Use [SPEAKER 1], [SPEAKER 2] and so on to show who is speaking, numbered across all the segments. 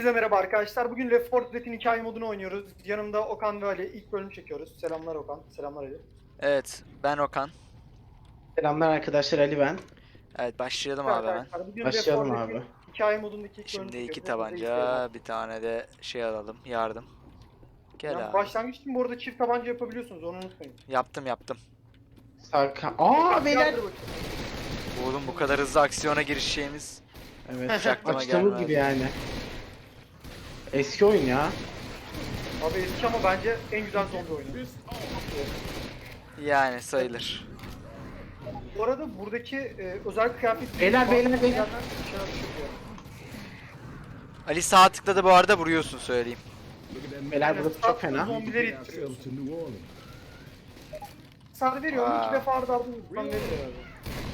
[SPEAKER 1] Hepinize merhaba arkadaşlar. Bugün Left 4 Dead'in hikaye modunu oynuyoruz. Yanımda Okan ve Ali. İlk bölüm çekiyoruz. Selamlar Okan. Selamlar Ali.
[SPEAKER 2] Evet, ben Okan.
[SPEAKER 3] Selamlar arkadaşlar, Ali ben.
[SPEAKER 2] Evet, başlayalım
[SPEAKER 1] Evet
[SPEAKER 2] abi hemen.
[SPEAKER 1] arkadaşlar bugün Left 4
[SPEAKER 3] Başlayalım abi.
[SPEAKER 1] Dead'in hikaye modundaki ilk bölümü
[SPEAKER 2] Şimdi iki
[SPEAKER 1] çekiyoruz. Hepinize iyi seyirler.
[SPEAKER 2] tabanca, bir tane de şey alalım, yardım. Gel
[SPEAKER 1] Yani
[SPEAKER 2] abi.
[SPEAKER 1] başlangıç için bu arada çift tabanca yapabiliyorsunuz. Onu unutmayın.
[SPEAKER 2] Yaptım.
[SPEAKER 3] Sarka. Aa beyler.
[SPEAKER 1] Yardır bakayım.
[SPEAKER 2] Oğlum bu kadar hızlı aksiyona girişeceğimiz
[SPEAKER 3] Evet.
[SPEAKER 2] aklıma
[SPEAKER 3] Açtığımız
[SPEAKER 2] gelmez.
[SPEAKER 3] gibi yani. Eski oyun ya.
[SPEAKER 1] Abi eski ama bence en güzel zombi oyunu.
[SPEAKER 2] Yani sayılır.
[SPEAKER 1] Bu arada buradaki özel kıyafet...
[SPEAKER 3] Beyler.
[SPEAKER 2] Ali sağ tıkladı bu arada, vuruyorsun söyleyeyim.
[SPEAKER 3] Beyler burası çok fena.
[SPEAKER 1] Zombileri ittiriyor. Sarı veriyorum.
[SPEAKER 2] Aa.
[SPEAKER 1] 2 defa arda arda vursan verir herhalde.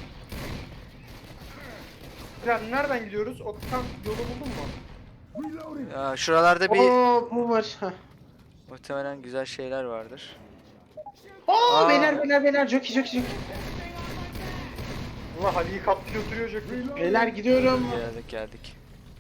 [SPEAKER 1] Yani nereden gidiyoruz? Okan yolu buldun mu?
[SPEAKER 2] Ya, şuralarda bir
[SPEAKER 3] Oo bu var. Heh.
[SPEAKER 2] muhtemelen güzel şeyler vardır.
[SPEAKER 3] Oo
[SPEAKER 2] Aa.
[SPEAKER 3] beyler. Jockey.
[SPEAKER 1] Allah Ali'yi kaptı götürüyor Joker.
[SPEAKER 3] Beyler gidiyorum.
[SPEAKER 2] Geldik.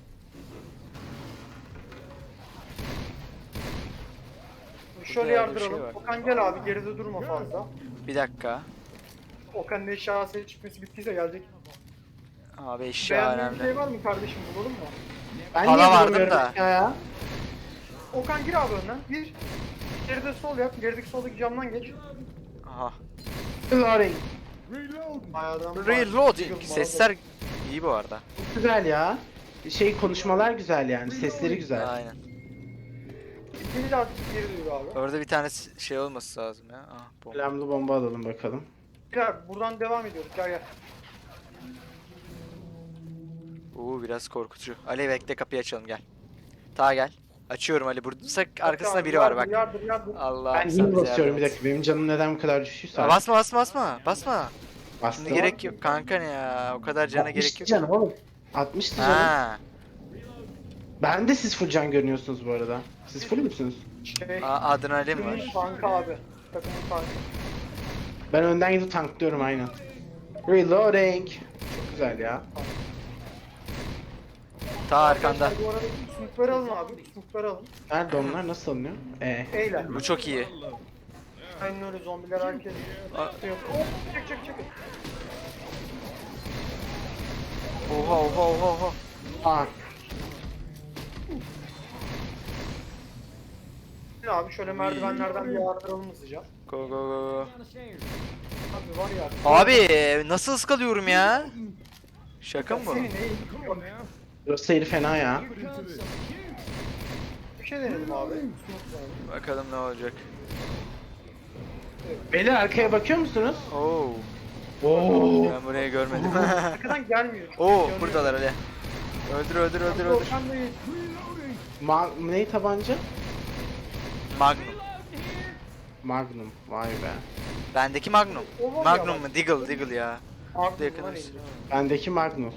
[SPEAKER 1] Şöyle
[SPEAKER 2] Burada bir şey
[SPEAKER 1] yardıralım.
[SPEAKER 2] var.
[SPEAKER 1] Okan gel abi geride durma fazla.
[SPEAKER 2] Bir dakika.
[SPEAKER 1] Okan'ın eşya seçmesi bittiyse gelecek.
[SPEAKER 2] Abi eşya
[SPEAKER 1] Beğendiğin bir şey
[SPEAKER 2] önemli.
[SPEAKER 1] var mı kardeşim bulalım mı?
[SPEAKER 3] Ben
[SPEAKER 2] Hala
[SPEAKER 3] niye
[SPEAKER 2] vardım
[SPEAKER 3] bulamıyorum
[SPEAKER 2] da.
[SPEAKER 3] ya?
[SPEAKER 1] Okan gir abi önden. Gir. Geride sol yap. Gerideki soldaki camdan geç.
[SPEAKER 2] Aha.
[SPEAKER 3] Reloading.
[SPEAKER 1] Ayağdan
[SPEAKER 2] Reloading. Sesler iyi bu arada.
[SPEAKER 3] Çok güzel ya. Konuşmalar güzel yani. Sesleri güzel.
[SPEAKER 2] Aynen.
[SPEAKER 1] İkinci de artık geri dur abi.
[SPEAKER 2] Orada bir tane şey olması lazım ya. Ah, bomba.
[SPEAKER 3] Flamlı bomba alalım bakalım.
[SPEAKER 1] Gel buradan devam ediyoruz. Gel.
[SPEAKER 2] Biraz korkutucu. Ali bekle, kapıyı açalım, gel. Ta gel. Açıyorum Ali. Burada arkasında
[SPEAKER 1] Abi,
[SPEAKER 2] biri var bak.
[SPEAKER 1] Yardır.
[SPEAKER 2] Allah
[SPEAKER 3] Ben
[SPEAKER 2] sen
[SPEAKER 3] yine
[SPEAKER 2] bize
[SPEAKER 3] basıyorum
[SPEAKER 2] yardım
[SPEAKER 3] bir
[SPEAKER 2] et.
[SPEAKER 3] dakika. Benim canım neden bu kadar düşüyorsa.
[SPEAKER 2] Basma. Basma.
[SPEAKER 3] Bastım.
[SPEAKER 2] Şimdi gerek yok kanka, ne ya. O kadar cana gerek
[SPEAKER 3] 60'tı
[SPEAKER 2] yok.
[SPEAKER 3] canım oğlum. 60'tı canım.
[SPEAKER 2] Ha.
[SPEAKER 3] Ben de siz full can görünüyorsunuz bu arada. Siz full müsünüz?
[SPEAKER 2] Adrenalin var.
[SPEAKER 1] Tanka abi. Takımın tankı.
[SPEAKER 3] Ben önden gidip tanklıyorum aynen. Reloading. Çok güzel ya.
[SPEAKER 2] Ta arkanda.
[SPEAKER 1] Arkadaşlar, bu arada sınıfları alın abi. Sınıfları alın.
[SPEAKER 3] Nerede onlar? Nasıl alınıyor?
[SPEAKER 1] Eyle.
[SPEAKER 2] Bu çok iyi.
[SPEAKER 1] Aynen öyle zombiler herkes.
[SPEAKER 2] Aa.
[SPEAKER 1] Yok. Oh, çek.
[SPEAKER 2] Oha.
[SPEAKER 3] Aa.
[SPEAKER 1] Abi şöyle merdivenlerden bir yardıralım hızlıca.
[SPEAKER 2] Go.
[SPEAKER 1] Abi var ya.
[SPEAKER 2] Abi nasıl ıskalıyorum ya? Şaka mı bu?
[SPEAKER 1] Senin neyin?
[SPEAKER 3] Burası yeri fena ya.
[SPEAKER 1] Bir şey denedim abi.
[SPEAKER 2] Bakalım ne olacak.
[SPEAKER 3] Beyler arkaya bakıyor musunuz?
[SPEAKER 2] Oo.
[SPEAKER 3] Oo.
[SPEAKER 2] Ben burayı görmedim.
[SPEAKER 1] Arkadan gelmiyor. Çok
[SPEAKER 2] Oo,
[SPEAKER 1] yanıyor.
[SPEAKER 2] buradalar Ali. Öldür.
[SPEAKER 1] Okan Bey,
[SPEAKER 3] Ney tabanca?
[SPEAKER 2] Magnum.
[SPEAKER 3] Magnum. Vay be.
[SPEAKER 2] Bendeki Magnum.
[SPEAKER 1] O var ya
[SPEAKER 2] Magnum
[SPEAKER 1] bak.
[SPEAKER 2] mu? Deagle ya.
[SPEAKER 1] Abi
[SPEAKER 2] yakınız.
[SPEAKER 1] bunlar iyi.
[SPEAKER 3] Bendeki Magnum.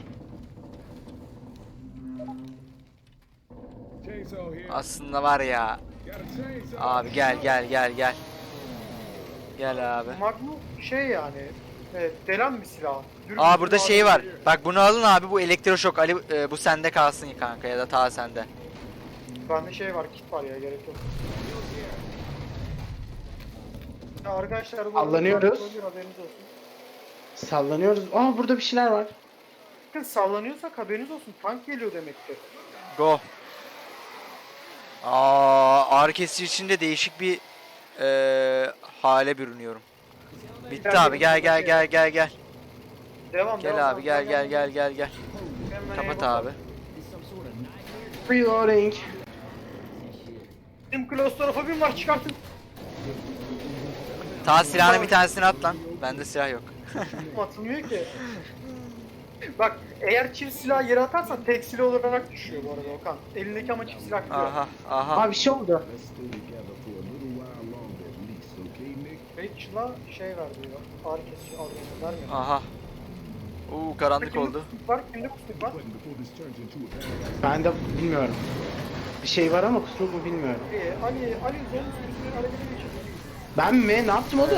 [SPEAKER 2] Aslında var ya. Abi gel. Gel abi.
[SPEAKER 1] Magnum şey yani. Evet, delen bir silah.
[SPEAKER 2] Aa, burada şey var. Bak bunu alın abi, bu elektroşok. Ali bu sende kalsın kanka, ya da ta sende.
[SPEAKER 1] Bende şey var, kit var ya, gerek yok. Ya arkadaşlar bu
[SPEAKER 3] Sallanıyoruz.
[SPEAKER 1] haberiniz olsun.
[SPEAKER 3] Sallanıyoruz. Aa burada bir şeyler var.
[SPEAKER 1] Bakın sallanıyorsak haberiniz olsun. Tank geliyor demektir.
[SPEAKER 2] Go. Ağrı kesici içinde değişik bir hale bürünüyorum. Bitti abi, gel.
[SPEAKER 1] Devam.
[SPEAKER 2] Gel abi, gel.
[SPEAKER 1] Hemen
[SPEAKER 2] Kapat
[SPEAKER 1] eyvallah.
[SPEAKER 2] abi.
[SPEAKER 3] Reloading.
[SPEAKER 1] Benim klostrofobim var, çıkartın.
[SPEAKER 2] Ta silahını bir tanesini at lan. Bende silah yok.
[SPEAKER 1] Atılmıyor ki. Bak eğer çift silah yere atarsan tek silah olarak düşüyor bu arada Okan. Elindeki ama çift silah gidiyor.
[SPEAKER 2] Aha.
[SPEAKER 3] Aa bir şey oldu.
[SPEAKER 1] Rachel'a şey ver diyor. Ağrı kesici alıyor. Vermiyor.
[SPEAKER 2] Aha. Karanlık
[SPEAKER 1] Kimde
[SPEAKER 2] oldu.
[SPEAKER 1] kusmuk var? Kimde kusmuk var?
[SPEAKER 3] Ben de bilmiyorum. Bir şey var ama kusmuk mu bilmiyorum.
[SPEAKER 1] Ali zombi sürüsünü harekete geçirdi.
[SPEAKER 3] Ben mi? Ne yaptım oğlum?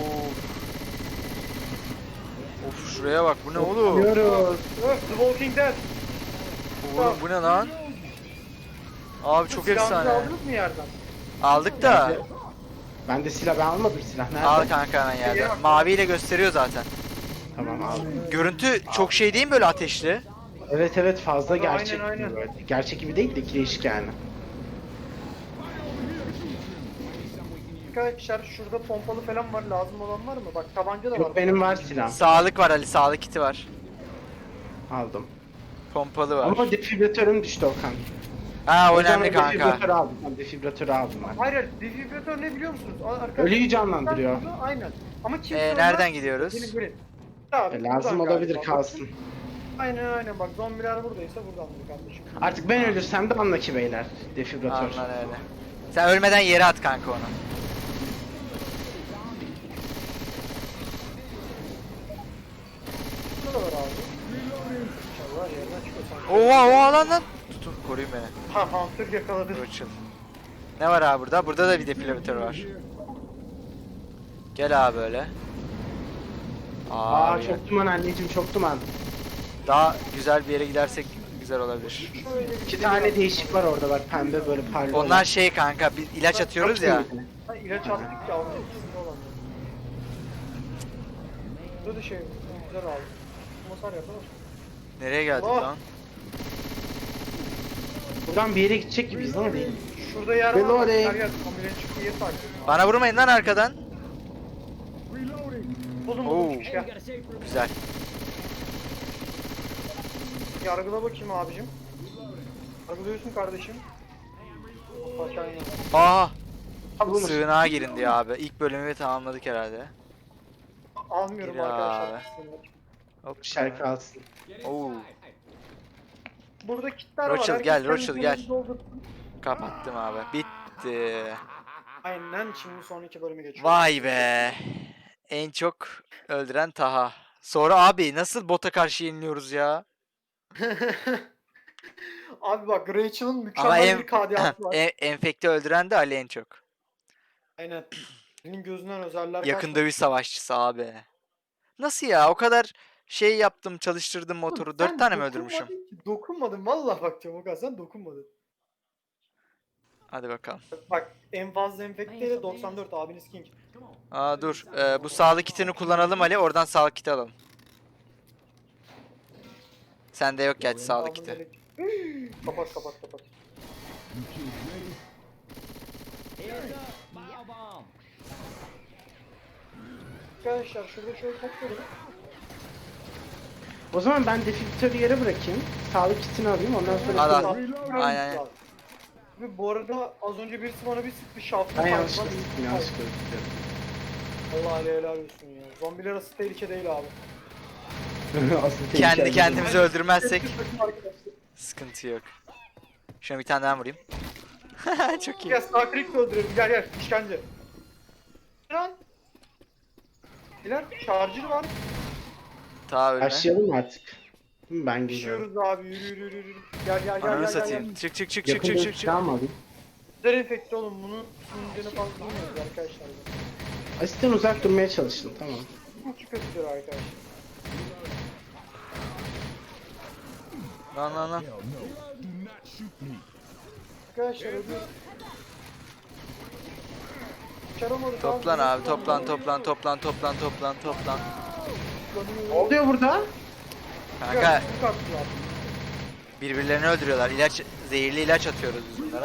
[SPEAKER 2] Of, şuraya bak, bu ne oğlum?
[SPEAKER 3] Biliyoruz.
[SPEAKER 1] Öf, The Walking Dead.
[SPEAKER 2] Oğlum bu ne lan? Abi çok
[SPEAKER 1] Silahınızı
[SPEAKER 2] efsane.
[SPEAKER 1] aldınız mı yerden?
[SPEAKER 2] Aldık da.
[SPEAKER 3] Ben de silah, ben almadım silah. Nerede?
[SPEAKER 2] Al kanka hemen yerden. Maviyle gösteriyor zaten.
[SPEAKER 3] Tamam aldım.
[SPEAKER 2] Görüntü çok şey değil mi böyle ateşli?
[SPEAKER 3] Evet evet, fazla
[SPEAKER 1] Aynen,
[SPEAKER 3] gerçek
[SPEAKER 1] aynen.
[SPEAKER 3] gibi böyle. Gerçek gibi değil de ikili yani.
[SPEAKER 1] Arkadaşlar şurada pompalı falan var, lazım olan var mı? Bak tabanca da var.
[SPEAKER 3] Yok benim var silah.
[SPEAKER 2] Sağlık var Ali, sağlık kiti var.
[SPEAKER 3] Aldım.
[SPEAKER 2] Pompalı var.
[SPEAKER 3] Ama defibratörüm düştü Okan.
[SPEAKER 2] Ha
[SPEAKER 3] O yüzden
[SPEAKER 2] önemli
[SPEAKER 3] ben
[SPEAKER 2] kanka.
[SPEAKER 3] Defibratörü aldım. Ben defibratörü aldım ben.
[SPEAKER 1] Hayır, defibratör ne biliyor musunuz? Arkadaşlar,
[SPEAKER 3] Ölüyü canlandırıyor.
[SPEAKER 1] Aynen. Ama kimse
[SPEAKER 2] Nereden
[SPEAKER 1] ölmez.
[SPEAKER 2] gidiyoruz?
[SPEAKER 1] Gelin. Abi,
[SPEAKER 3] Lazım
[SPEAKER 1] buradan
[SPEAKER 3] olabilir,
[SPEAKER 1] galiba.
[SPEAKER 3] kalsın.
[SPEAKER 1] Aynen bak, zombiler buradaysa buradandır kardeşim.
[SPEAKER 3] Artık ben ölürsem de anla ki beyler. Defibratör.
[SPEAKER 2] Anlan öyle. Sen ölmeden yere at kanka onu.
[SPEAKER 1] Burada da var abi. İnşallah yerden çıkıyorsan.
[SPEAKER 2] Oha lan. Tutun koruyun beni.
[SPEAKER 1] Ha, Hunter yakaladı.
[SPEAKER 2] Roçıl. Ne var abi burada? Burada da bir defibrilatör var. Gel abi öyle.
[SPEAKER 3] Aa
[SPEAKER 2] Abi,
[SPEAKER 3] çok duman anneciğim, çok duman.
[SPEAKER 2] daha güzel bir yere gidersek güzel olabilir.
[SPEAKER 1] Şöyle bir
[SPEAKER 3] İki tane değişik var orada bak, pembe böyle parlıyor.
[SPEAKER 2] Onlar şey kanka, biz ilaç atıyoruz ya.
[SPEAKER 1] Ha, ilaç attık ya, onun ikisinde olan. Burada da şey, güzel abi. Masar yapalım.
[SPEAKER 2] Nereye geldik
[SPEAKER 1] Allah.
[SPEAKER 2] lan?
[SPEAKER 3] Buradan bir yere gidecek gibiyiz ama değil.
[SPEAKER 1] Şurada yer var.
[SPEAKER 3] Reloading.
[SPEAKER 1] Her yer kameranın çıktığı yeri takip.
[SPEAKER 2] Bana vurmayın lan arkadan.
[SPEAKER 1] Buldum
[SPEAKER 2] Oo.
[SPEAKER 1] buldum ya.
[SPEAKER 2] Güzel.
[SPEAKER 1] Yargıla bakayım abicim. Yargılıyorsun kardeşim. Aşağı in.
[SPEAKER 2] Aa,
[SPEAKER 3] Bulmuş.
[SPEAKER 2] sığınağa girin diyor abi. İlk bölümü tamamladık herhalde.
[SPEAKER 1] Almıyorum
[SPEAKER 2] Gir
[SPEAKER 1] arkadaşlar.
[SPEAKER 2] abi. Hop.
[SPEAKER 3] Şarkı alsın.
[SPEAKER 2] Oo,
[SPEAKER 1] Burada kitler var.
[SPEAKER 2] Rochelle,
[SPEAKER 1] Herkes
[SPEAKER 2] gel,
[SPEAKER 1] kendi
[SPEAKER 2] Rochelle, gel.
[SPEAKER 1] kendini doldursun.
[SPEAKER 2] kapattım abi. Bitti.
[SPEAKER 1] Aynen, şimdi sonraki bölüme geçiyoruz.
[SPEAKER 2] Vay be. En çok öldüren Taha. Sonra abi nasıl bota karşı yeniliyoruz ya?
[SPEAKER 1] Abi bak, Rachel'ın
[SPEAKER 2] Ama
[SPEAKER 1] mükemmel bir KDA'sı var.
[SPEAKER 2] enfekte öldüren de Ali en çok.
[SPEAKER 1] Aynen. Senin gözünden özeller
[SPEAKER 2] Yakın dövüş savaşçısı abi. Nasıl ya? O kadar şey yaptım, çalıştırdım motoru. 4 tane mi öldürmüşüm?
[SPEAKER 1] Dokunmadın vallahi, bak Çabuk sen dokunmadın.
[SPEAKER 2] Hadi bakalım.
[SPEAKER 1] Bak, en fazla enfekteyle 94 abiniz King.
[SPEAKER 2] Aa dur. Bu sağlık kitini kullanalım Ali. Oradan sağlık kiti alalım. Sende yok gerçi sağlık kiti.
[SPEAKER 1] Kapat kapat kapat. Arkadaşlar şurada şöyle toplayalım.
[SPEAKER 3] O zaman ben defibratörü yere bırakayım. Sağlık kitini alayım, ondan sonra...
[SPEAKER 2] Al, al.
[SPEAKER 1] Aynen.
[SPEAKER 2] Aynen.
[SPEAKER 1] Ve bu arada az önce birisi bana bir sıktı, şaftı.
[SPEAKER 3] Ben yanlışlıkla sıktım, yanlışlıkla sıktım.
[SPEAKER 1] Allah helal olsun ya. Zombiler asıl tehlike değil abi.
[SPEAKER 3] Asıl tehlike
[SPEAKER 2] Kendi
[SPEAKER 3] değil.
[SPEAKER 2] kendimizi öldürmezsek
[SPEAKER 1] Arkadaşlar.
[SPEAKER 2] sıkıntı yok. Şuna bir tane daha vurayım. Çok iyi.
[SPEAKER 1] Gel Starcraft öldürelim, gel işkence. Lan. Beyler charger var.
[SPEAKER 2] Ta ölme.
[SPEAKER 3] Başlayalım mı artık? Ben geliyorum.
[SPEAKER 1] Düşüyoruz abi, yürü. Gel.
[SPEAKER 2] Ananı satayım. Çık çık çık çık
[SPEAKER 3] Yakın
[SPEAKER 2] çık
[SPEAKER 3] dövüş
[SPEAKER 2] çık çık.
[SPEAKER 3] silahı mı alayım?
[SPEAKER 1] Güzel efekti oğlum, bunu sinirlerini fazla bilmiyoruz arkadaşlar.
[SPEAKER 3] Asitten uzak durmaya çalışın, tamam.
[SPEAKER 1] Bu kötüdür arkadaşlar.
[SPEAKER 2] Lan.
[SPEAKER 1] Arkadaşlar ödüyoruz. Çaramadık
[SPEAKER 2] Toplan abi, toplan.
[SPEAKER 3] Ne oluyor burada?
[SPEAKER 2] Kanka birbirlerini öldürüyorlar. Zehirli ilaç atıyoruz biz bunlara.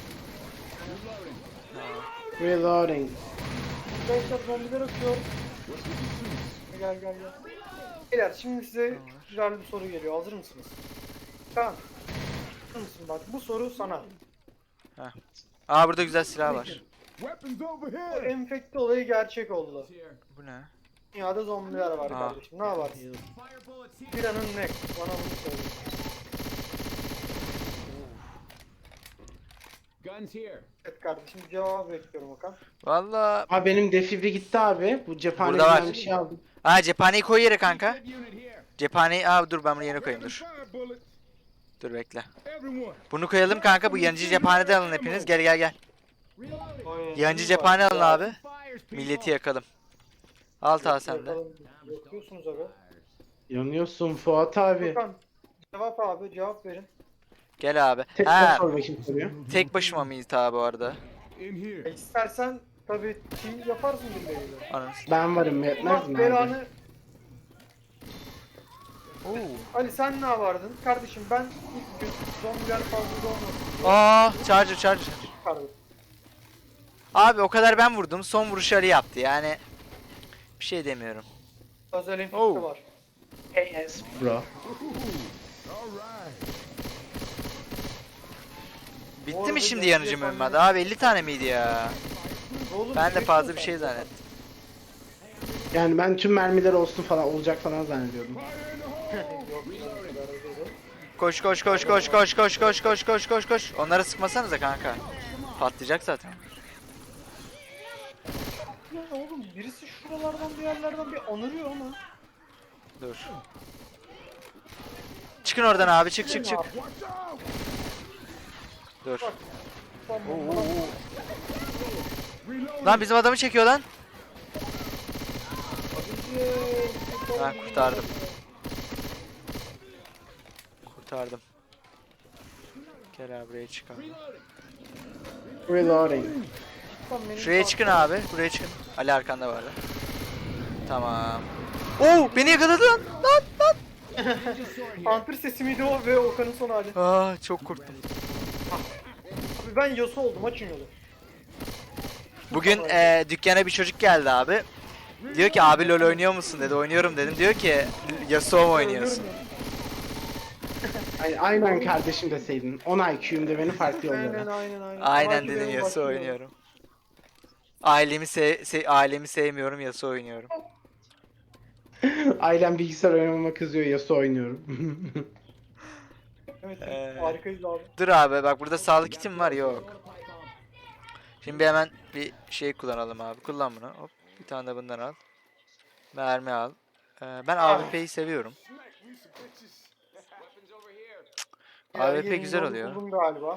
[SPEAKER 3] Reloading.
[SPEAKER 1] Arkadaşlar zombiler atıyor. Gel. Beyler şimdi size güzel bir soru geliyor. Hazır mısınız? Tamam. Hazır mısın bak, bu soru sana.
[SPEAKER 2] Aa burada güzel silah var.
[SPEAKER 1] Bu enfekte olayı gerçek oldu.
[SPEAKER 2] Bu ne?
[SPEAKER 1] Dünyada zombiler var
[SPEAKER 2] Aa.
[SPEAKER 1] kardeşim. Ne yaparsın? Bir anın ne? Bana bunu söyle. Evet kardeşim, cevap bekliyorum Okan.
[SPEAKER 2] Valla.
[SPEAKER 3] Abi benim defibri gitti abi. Bu
[SPEAKER 2] Burada
[SPEAKER 3] cephaneden
[SPEAKER 2] var.
[SPEAKER 3] bir şey aldım.
[SPEAKER 2] Aa cephaneyi koy yere kanka. Cephaneyi dur ben bunu yerine koyayım dur. Dur bekle. Bunu koyalım kanka, bu yanıcı cephaneden alın hepiniz. Gel. Yancı cephane alın abi. Milleti yakalım. Al ta sen de.
[SPEAKER 1] Yapıyorsunuz abi.
[SPEAKER 3] Yanıyorsun Fuat abi.
[SPEAKER 1] Okan, cevap abi, cevap verin.
[SPEAKER 2] Gel abi.
[SPEAKER 3] Tekrar
[SPEAKER 2] Ha,
[SPEAKER 3] sor bakayım soruyor.
[SPEAKER 2] tek başıma mıyız ta bu arada?
[SPEAKER 1] İstersen tabii team yaparsın birileriyle.
[SPEAKER 2] Ananı.
[SPEAKER 3] Ben varım yetmez
[SPEAKER 1] Allah
[SPEAKER 3] mi abi?
[SPEAKER 1] belanı.
[SPEAKER 2] Oo.
[SPEAKER 1] Ali sen ne yapardın? Kardeşim ben ilk gün zombiler fazla olmasın
[SPEAKER 2] Aa, charger.
[SPEAKER 1] çıkardım.
[SPEAKER 2] Abi o kadar ben vurdum. Son vuruşu Ali yaptı. Yani bir şey demiyorum.
[SPEAKER 1] Özel infekte
[SPEAKER 2] Oh.
[SPEAKER 1] var.
[SPEAKER 3] KS bro.
[SPEAKER 2] Bitti
[SPEAKER 1] Orada
[SPEAKER 2] mi şimdi
[SPEAKER 1] bir
[SPEAKER 2] yanıcı
[SPEAKER 1] şey
[SPEAKER 2] mühimmat? Abi 50 tane miydi ya?
[SPEAKER 1] Oğlum,
[SPEAKER 2] Ben de
[SPEAKER 1] direkt
[SPEAKER 2] fazla
[SPEAKER 1] mi
[SPEAKER 2] bir şey
[SPEAKER 1] sen?
[SPEAKER 2] zannettim.
[SPEAKER 3] Yani ben tüm mermiler olsun falan olacak falan zannediyordum.
[SPEAKER 1] Yok, bu kadar değil.
[SPEAKER 2] Koş. Onlara sıkmasanıza kanka. Patlayacak zaten.
[SPEAKER 1] Ya oğlum birisi şuralardan bir yerlerden bir anırıyor ama.
[SPEAKER 2] Dur. Çıkın oradan abi, çık. Dur.
[SPEAKER 1] Tamam.
[SPEAKER 2] Lan bizim adamı çekiyor lan.
[SPEAKER 1] Abiciğim,
[SPEAKER 2] Ben kurtardım. Gel abi buraya çık abi.
[SPEAKER 3] Reloading.
[SPEAKER 2] Şuraya çıkın abi. Buraya çıkın. Ali arkanda var. Tamam. Oo, beni yakaladı lan.
[SPEAKER 1] Hunter sesi miydi o ve Okan'ın son hali.
[SPEAKER 2] Aa, çok korktum.
[SPEAKER 1] Abi ben Yasuo oldum, açın yolu.
[SPEAKER 2] Bugün dükkana bir çocuk geldi abi. Diyor ki abi LoL oynuyor musun dedi. Oynuyorum dedim. Diyor ki Yasuo mu oynuyorsun?
[SPEAKER 3] Aynen kardeşim deseydin. 10 IQ'mde beni farklı
[SPEAKER 1] Aynen
[SPEAKER 3] yollara.
[SPEAKER 1] aynen aynen.
[SPEAKER 2] Aynen
[SPEAKER 1] Belki
[SPEAKER 2] dedim,
[SPEAKER 1] benim
[SPEAKER 2] Yasuo
[SPEAKER 1] başım
[SPEAKER 2] oynuyorum. Ailemi sevmiyorum, Yasuo oynuyorum.
[SPEAKER 3] Ailem bilgisayar oynamama kızıyor, Yasuo oynuyorum.
[SPEAKER 1] Evet,
[SPEAKER 2] Ee.
[SPEAKER 1] harikayız abi.
[SPEAKER 2] Dur abi, bak burada sağlık kitim var, yok. Şimdi hemen bir şey kullanalım abi. Kullan bunu. Hop, bir tane de bundan al. Mermi al. Ben AWP'yi seviyorum. AWP
[SPEAKER 1] Yeni
[SPEAKER 2] güzel
[SPEAKER 1] yolu
[SPEAKER 2] oluyor.
[SPEAKER 1] Buldum galiba.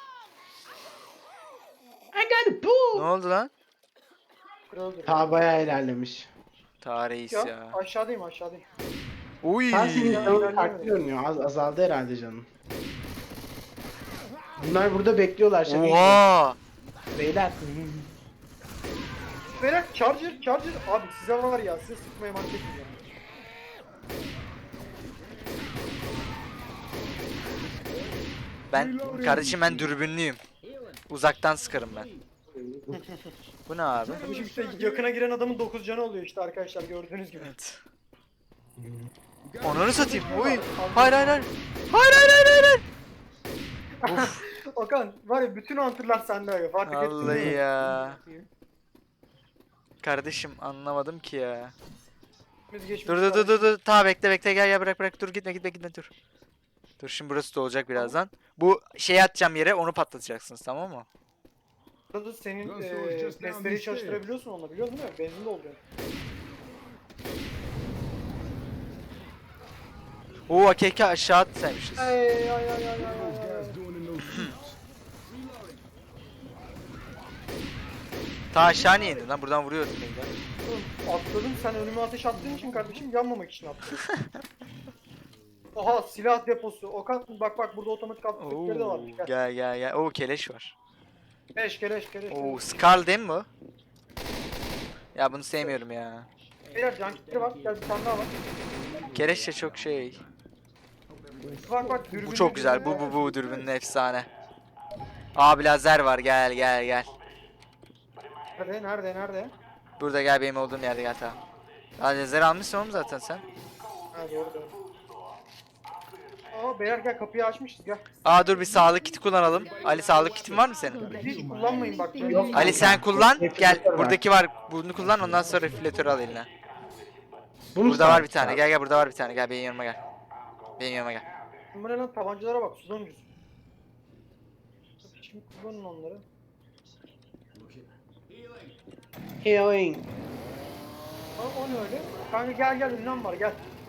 [SPEAKER 3] I got a
[SPEAKER 2] Ne
[SPEAKER 3] pool.
[SPEAKER 2] oldu lan?
[SPEAKER 1] Kırıldı.
[SPEAKER 3] Ta bayağı ilerlemiş.
[SPEAKER 2] Tarihis
[SPEAKER 1] Ya,
[SPEAKER 2] ya.
[SPEAKER 1] aşağıdayım.
[SPEAKER 2] Uy.
[SPEAKER 3] Ta senin
[SPEAKER 1] Ya,
[SPEAKER 3] canın
[SPEAKER 1] ilerleyemedim.
[SPEAKER 3] farklı görünüyor. Azaldı herhalde canın. Bunlar burada bekliyorlar şaka gibi.
[SPEAKER 2] Oha.
[SPEAKER 3] Beyler.
[SPEAKER 1] Beyler charger. Abi size var ya, size sıkmaya mantık etmiyorum.
[SPEAKER 2] Kardeşim ben dürbünlüyüm. Uzaktan sıkarım ben. Bu ne abi?
[SPEAKER 1] Tabii şimdi işte yakına giren adamın 9 canı oluyor işte arkadaşlar, gördüğünüz gibi.
[SPEAKER 2] Evet. Onları satayım. Uy. Hayır. Hayır. Uf.
[SPEAKER 1] Okan var ya, bütün hunter'lar sende abi, fark ettin
[SPEAKER 2] Vallahi
[SPEAKER 1] mi?
[SPEAKER 2] ya. Kardeşim anlamadım ki ya.
[SPEAKER 1] Biz geçmiş
[SPEAKER 2] Dur. Ta bekle gel bırak. Dur gitme dur. Dur, şimdi burası da olacak birazdan. Bu şeyi atacağım yere, onu patlatacaksınız, tamam mı?
[SPEAKER 1] Burada senin testleri çalıştırabiliyorsun onunla, biliyorsun değil mi? Benzin dolduruyor.
[SPEAKER 2] Oo, AKK aşağı atsaymışız.
[SPEAKER 1] Ay.
[SPEAKER 2] Ta aşağı niye indin lan? Buradan vuruyordum ben de.
[SPEAKER 1] Oğlum, atladım, sen önüme ateş attığın için kardeşim, yanmamak için attım. Oha, silah deposu. Okan bak burada otomatik attıkları da
[SPEAKER 2] Oo,
[SPEAKER 1] varmış.
[SPEAKER 2] gel. Oo, keleş var.
[SPEAKER 1] Keleş.
[SPEAKER 2] Oo, Skarl değil mi bu? Ya bunu sevmiyorum ya.
[SPEAKER 1] Beyler can kitleri var. Gel, bir tane daha var.
[SPEAKER 2] Keleş de çok şey.
[SPEAKER 1] Bak dürbün.
[SPEAKER 2] Bu çok güzel. Bu dürbünün efsane. Abi lazer var. Gel.
[SPEAKER 1] Nerede?
[SPEAKER 2] Burada gel, benim olduğum yerde gel, tamam. Lazer almışsın oğlum zaten sen.
[SPEAKER 1] Ha, doğru. Aa beyler gel, kapıyı açmışız, gel.
[SPEAKER 2] Aa, dur bir sağlık kiti kullanalım. Ali, sağlık kitin var mı senin?
[SPEAKER 1] Hiç kullanmayın bak.
[SPEAKER 3] Yok.
[SPEAKER 2] Ali sen kullan. Gel.
[SPEAKER 3] Reflektör var.
[SPEAKER 2] Buradaki var. Bunu kullan, ondan sonra reflektörü al eline.
[SPEAKER 3] Bunu
[SPEAKER 2] Burada var
[SPEAKER 3] sağ-
[SPEAKER 2] bir tane. Gel burada var bir tane. Gel benim yanıma gel.
[SPEAKER 1] Bu ne lan, tabancalara bak, sudan ucuz. Şimdi kullanın onları.
[SPEAKER 3] Healing.
[SPEAKER 1] O ne öyle? Kanka gel, ünlem var, gel.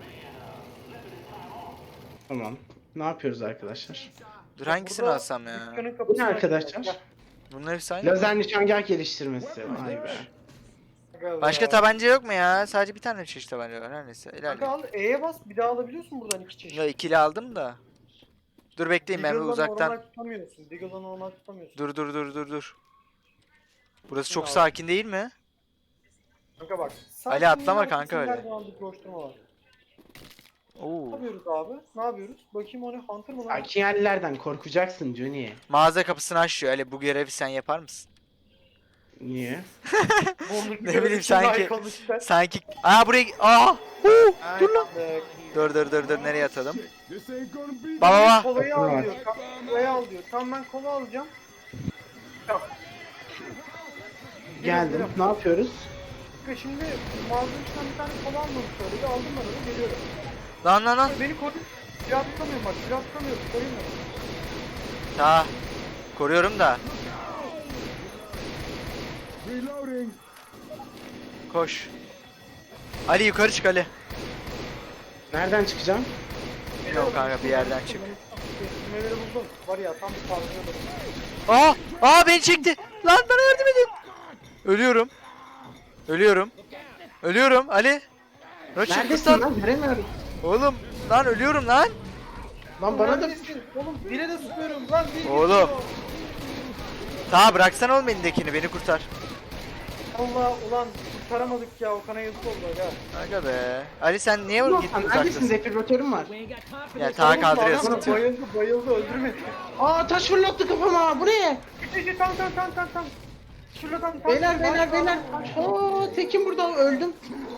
[SPEAKER 3] Tamam. Ne yapıyoruz arkadaşlar?
[SPEAKER 2] Dur, hangisini
[SPEAKER 1] Burada
[SPEAKER 2] alsam ya?
[SPEAKER 1] dükkanın
[SPEAKER 3] Bu ne
[SPEAKER 1] kapısına
[SPEAKER 3] arkadaşlar?
[SPEAKER 1] gel.
[SPEAKER 2] Bunlar hepsi aynı.
[SPEAKER 3] Lazer nişangah geliştirmesi. Vay be.
[SPEAKER 1] Gel
[SPEAKER 2] Başka
[SPEAKER 1] ya.
[SPEAKER 2] tabanca yok mu ya? Sadece bir tane çeşit tabanca var. Her neyse.
[SPEAKER 1] Kanka
[SPEAKER 2] İlerleyelim.
[SPEAKER 1] al, E'ye bas, bir daha alabiliyorsun buradan 2 çeşit.
[SPEAKER 2] Ya ikili aldım da. Dur bekleyin ben bir
[SPEAKER 1] Deagle'la
[SPEAKER 2] uzaktan.
[SPEAKER 1] normal tutamıyorsun. Deagle'la normal tutamıyorsun.
[SPEAKER 2] Dur. Burası çok
[SPEAKER 1] Abi.
[SPEAKER 2] sakin değil mi?
[SPEAKER 1] Kanka bak.
[SPEAKER 2] Ali atlama
[SPEAKER 1] sakinliğin
[SPEAKER 2] kanka
[SPEAKER 1] arkasında
[SPEAKER 2] öyle.
[SPEAKER 1] her zaman bir koşturma var. Ne
[SPEAKER 2] Oo.
[SPEAKER 1] yapıyoruz abi? Ne yapıyoruz? Bakayım o ne? Hunter mı lan?
[SPEAKER 3] Sakin yerlerden korkacaksın Johnny.
[SPEAKER 2] Mağaza kapısını açıyor. Ali bu görevi sen yapar mısın?
[SPEAKER 3] Niye?
[SPEAKER 1] Bonduk
[SPEAKER 2] Ne bileyim sanki.
[SPEAKER 1] konuştu.
[SPEAKER 2] Sanki. Aa buraya. Aa. Dur lan.
[SPEAKER 1] Aynen.
[SPEAKER 2] Dur nereye atalım?
[SPEAKER 4] This ain't gonna be
[SPEAKER 2] Baba.
[SPEAKER 1] Kolayı
[SPEAKER 3] Var.
[SPEAKER 1] al diyor. Kolayı al diyor. Tamam ben kola alacağım.
[SPEAKER 3] Geldim. Ne yapıyoruz?
[SPEAKER 1] Kanka şimdi mağazanın içinden bir tane kola almamış söyledi. Aldım ben onu geliyorum.
[SPEAKER 2] Lan.
[SPEAKER 1] Beni koru. Silah tutamıyorum bak. Silah tutamıyorum. Koruyun beni.
[SPEAKER 2] Ta. Koruyorum da.
[SPEAKER 4] reloading.
[SPEAKER 2] Koş. Ali yukarı çık Ali.
[SPEAKER 3] Nereden çıkacağım?
[SPEAKER 2] Yok kanka bir yerden çık.
[SPEAKER 1] Memeleri buldum. Var ya tam bir kavga.
[SPEAKER 2] Aa beni çekti. Lan bana yardım edin. Ölüyorum Ali. Roçik
[SPEAKER 3] Neredesin
[SPEAKER 2] kurtar.
[SPEAKER 3] lan? Göremiyorum.
[SPEAKER 2] Oğlum lan ölüyorum lan.
[SPEAKER 3] Lan bana da...
[SPEAKER 1] Neredesin? Oğlum bire de sıkıyorum lan. Bir
[SPEAKER 2] Oğlum. Ta bıraksana oğlum elindekini beni kurtar.
[SPEAKER 1] Allah ulan kurtaramadık ya. Okan'a yazık oldu ya.
[SPEAKER 2] Aga be. Ali sen niye
[SPEAKER 3] Ulan
[SPEAKER 2] gittin
[SPEAKER 3] sen neredesin?
[SPEAKER 2] uzaktasın?
[SPEAKER 3] Defibrilatörüm var.
[SPEAKER 2] Ya ta kaldırıyor
[SPEAKER 1] Oğlum,
[SPEAKER 2] sıkıntı yok.
[SPEAKER 1] bayıldı öldürmedi.
[SPEAKER 3] Aa taş fırlattı kafama. Bu ne?
[SPEAKER 1] Tam. Şurada tam.
[SPEAKER 3] Beyler. Oo Tekin burada öldüm.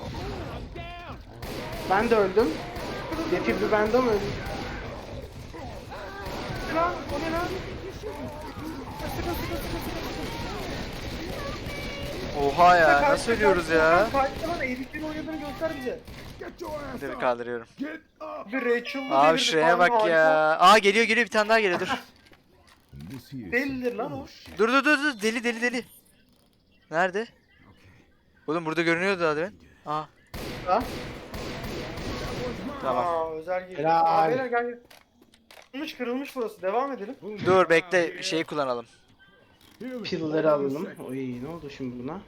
[SPEAKER 3] Ben de öldüm. Defibri bende mi öldüm?
[SPEAKER 1] Lan o ne lan?
[SPEAKER 2] Oha ya nasıl ölüyoruz ya?
[SPEAKER 1] Fight'ta eğrikleri oynadığını göster bize.
[SPEAKER 4] Get your ass
[SPEAKER 2] Dur
[SPEAKER 4] up.
[SPEAKER 2] kaldırıyorum.
[SPEAKER 4] Get up.
[SPEAKER 1] Bir Rachel'lı
[SPEAKER 2] Abi
[SPEAKER 1] devirdi,
[SPEAKER 2] şuraya
[SPEAKER 1] tamam,
[SPEAKER 2] bak
[SPEAKER 1] harika.
[SPEAKER 2] ya. Aa geliyor bir tane daha geliyor dur.
[SPEAKER 4] This here.
[SPEAKER 1] Delidir lan o.
[SPEAKER 2] Dur deli. Nerede? Oğlum burada görünüyordu daha demin. Aa
[SPEAKER 3] Ha?
[SPEAKER 2] tamam.
[SPEAKER 1] Aa özel geliyor.
[SPEAKER 3] Helal.
[SPEAKER 1] Aa beyler gel. Kırılmış burası. Devam edelim.
[SPEAKER 2] Dur bekle şeyi kullanalım.
[SPEAKER 4] Healing.
[SPEAKER 3] Pill'leri alalım. Oy ne oldu şimdi buna?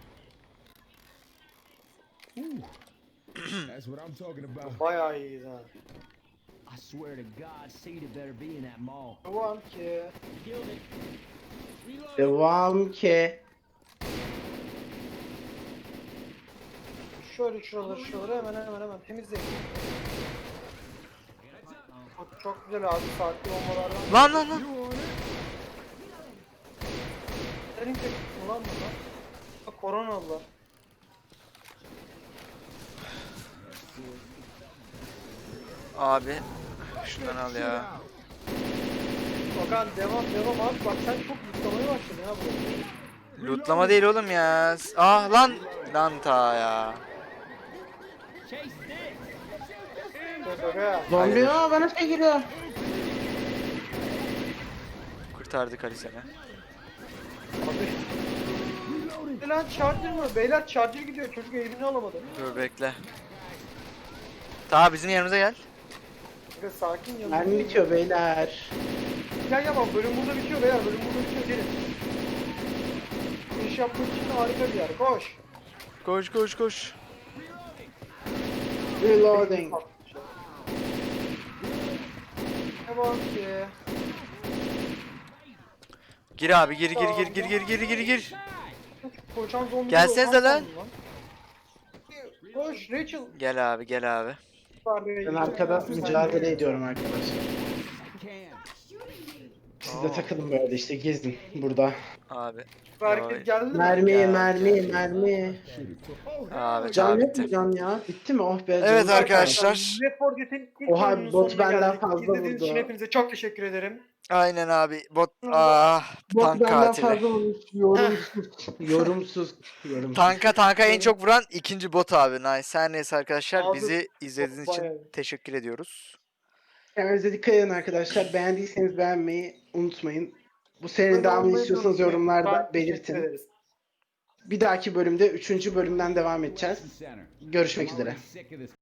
[SPEAKER 4] That's what I'm talking about.
[SPEAKER 1] Bayağı iyiyiz ha.
[SPEAKER 5] I swear to God, Cedar better be in that mall.
[SPEAKER 1] Devam ki.
[SPEAKER 3] Devam ki.
[SPEAKER 1] Şöyle şuraları hemen temizleyin. Çok güzel abi saatli bombalardan.
[SPEAKER 2] Lan.
[SPEAKER 1] Senin tek ulan bunlar. Bak koronalılar.
[SPEAKER 2] Abi. Şundan al ya.
[SPEAKER 1] Okan devam abi bak sen çok yıklamaya başladın ya bu.
[SPEAKER 2] Lootlama değil oğlum ya. Ah lan. Lan ta ya.
[SPEAKER 1] Bak ya.
[SPEAKER 3] Zombi
[SPEAKER 2] Hayır.
[SPEAKER 3] aa bana şey giriyor.
[SPEAKER 2] Kurtardık Ali seni.
[SPEAKER 1] Lan charger mı? Beyler charger gidiyor çocuk eğimini alamadı.
[SPEAKER 2] Dur bekle. Ta bizim yanımıza gel.
[SPEAKER 1] Biraz sakin yanına.
[SPEAKER 3] Mermi bitiyor beyler.
[SPEAKER 1] Gel bak bölüm burada bitiyor beyler bölüm burada bitiyor gelin. İş yapmak için harika bir yer koş.
[SPEAKER 2] Koş.
[SPEAKER 3] Reloading.
[SPEAKER 1] Devam ki.
[SPEAKER 2] Gir abi gir.
[SPEAKER 1] Koşan zombi.
[SPEAKER 2] Gelsenize lan.
[SPEAKER 1] Koş Rachel.
[SPEAKER 2] Gel abi.
[SPEAKER 3] Ben arkada mücadele ediyorum arkadaşlar. Siz de takılın böyle işte gezin burada.
[SPEAKER 2] Abi.
[SPEAKER 1] Hareket geldi mi?
[SPEAKER 3] Mermi.
[SPEAKER 2] Abi
[SPEAKER 3] Can
[SPEAKER 2] tamam
[SPEAKER 3] yok
[SPEAKER 2] bitti.
[SPEAKER 3] mu can ya? Bitti mi? Oh be.
[SPEAKER 2] Evet
[SPEAKER 3] canım.
[SPEAKER 2] arkadaşlar.
[SPEAKER 1] Left 4 Dead'in ilk
[SPEAKER 3] Oha,
[SPEAKER 1] bölümünün
[SPEAKER 3] bot
[SPEAKER 1] sonuna
[SPEAKER 3] benden
[SPEAKER 1] geldik.
[SPEAKER 3] fazla
[SPEAKER 1] İzlediğiniz için
[SPEAKER 3] vurdu.
[SPEAKER 1] hepinize çok teşekkür ederim.
[SPEAKER 2] Aynen abi. Bot
[SPEAKER 3] Bot
[SPEAKER 2] tank
[SPEAKER 3] benden
[SPEAKER 2] katili.
[SPEAKER 3] fazla olmuş. Yorumsuz.
[SPEAKER 2] Tanka en çok vuran ikinci bot abi. Nice. Her neyse arkadaşlar
[SPEAKER 1] Abi,
[SPEAKER 2] bizi izlediğiniz için
[SPEAKER 1] bayağı.
[SPEAKER 2] teşekkür ediyoruz.
[SPEAKER 3] Kendinize dikkat edin arkadaşlar. Beğendiyseniz beğenmeyi unutmayın. Bu serinin devamını
[SPEAKER 1] Olmayı
[SPEAKER 3] istiyorsanız
[SPEAKER 1] unutmayın.
[SPEAKER 3] yorumlarda
[SPEAKER 1] Teşekkür
[SPEAKER 3] belirtin.
[SPEAKER 1] ederiz.
[SPEAKER 3] Bir dahaki bölümde 3. bölümden devam edeceğiz. Görüşmek üzere.
[SPEAKER 5] Sick of this